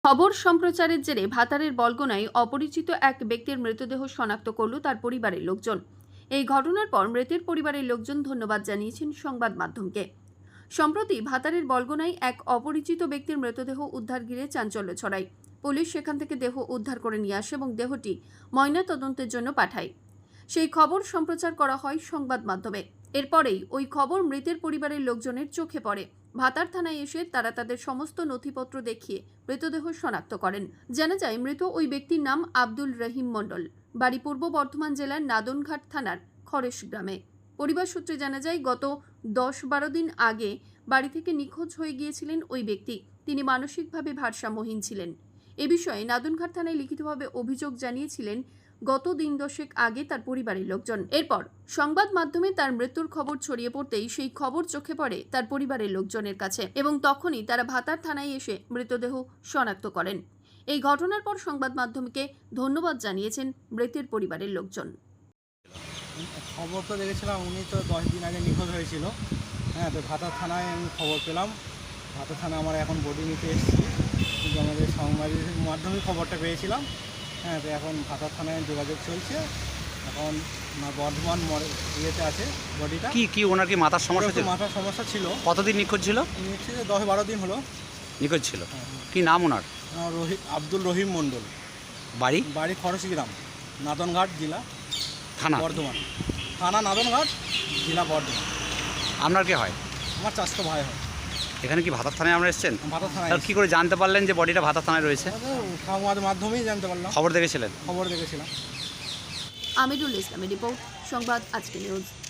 খবর সম্প্রচারের জেরে ভাতারের বলগোনায় অপরিচিত এক ব্যক্তির মৃতদেহ শনাক্ত করল তার পরিবারের লোকজন। এই ঘটনার পর মৃতের পরিবারের লোকজন ধন্যবাদ জানিয়েছেন সংবাদ মাধ্যমকে। সম্প্রতি ভাতারের বলগোনায় এক অপরিচিত ব্যক্তির মৃতদেহ উদ্ধার ঘিরে চাঞ্চল্য ছড়ায়। পুলিশ সেখান থেকে দেহ উদ্ধার করে নিয়ে আসে এবং দেহটি ময়নাতদন্তের জন্য পাঠায়। সেই খবর সম্প্রচার করা হয় সংবাদ মাধ্যমে। এরপরেই ওই খবর মৃতের পরিবারের লোকজনের চোখে পড়ে। ভাতার থানায় এসে তারা তাদের সমস্ত নথিপত্র দেখিয়ে মৃতদেহ শনাক্ত করেন। জানা যায় মৃত ওই ব্যক্তির নাম আব্দুল রহিম মণ্ডল, বাড়ি পূর্ব বর্ধমান জেলার নাদনঘাট থানার খরেশ গ্রামে। পরিবার সূত্রে জানা যায় গত 10-12 দিন আগে বাড়ি থেকে নিখোঁজ হয়ে গিয়েছিলেন ওই ব্যক্তি। তিনি মানসিকভাবে ভারসাম্যহীন ছিলেন। এ বিষয়ে নাদনঘাট থানায় লিখিতভাবে অভিযোগ জানিয়েছিলেন গত দিন দশেক আগে তার পরিবারের লোকজন। এরপর সংবাদ মাধ্যমে তার মৃত্যুর খবর ছড়িয়ে পড়তেই সেই খবর চোখে পড়ে তার পরিবারের লোকজনের কাছে এবং তখনই তারা ভাতার থানায় এসে মৃতদেহ শনাক্ত করেন। এই ঘটনার পর সংবাদ মাধ্যমকে ধন্যবাদ জানিয়েছেন মৃতের পরিবারের লোকজন। খবর তো দেখেছিলাম, উনি তো 10 দিন আগে নিখোঁজ হয়েছিল। হ্যাঁ, তো ভাতার থানায় আমি খবর পেলাম। ভাতার থানায় আমার এখন বডি নিতে এসেছি, কিন্তু আমাদের সংবাদের মাধ্যমে খবরটা পেয়েছিলাম। হ্যাঁ, তো এখন ভাতার থানায় যোগাযোগ চলছে। এখন বর্ধমান ইয়েতে আছে বডিটা। কি ওনার কি মাথার সমস্যা ছিল? মাথার সমস্যা ছিল। কতদিন নিখোঁজ ছিল? হচ্ছে যে 10-12 দিন হলো নিখোঁজ ছিল। হ্যাঁ। কি নাম ওনার? আব্দুল রহিম মণ্ডল, বাড়ি খরচ গ্রাম, নাদনঘাট জেলা, থানা বর্ধমান। থানা নাদনঘাট, জেলা বর্ধমান। আপনার কে হয়? আমার চাচাতো ভাই হয়। এখানে কি ভাতার থানায় আমরা এসেছেন? ভাতার থানায় তাহলে কী করে জানতে পারলেন যে বডিটা ভাতার থানায় রয়েছে? সংবাদ মাধ্যমেই জানতে পারলাম। খবর দেখেছিলেন? খবর দেখেছিলাম। আমিরুল ইসলামের রিপোর্ট, সংবাদ আজকে নিউজ।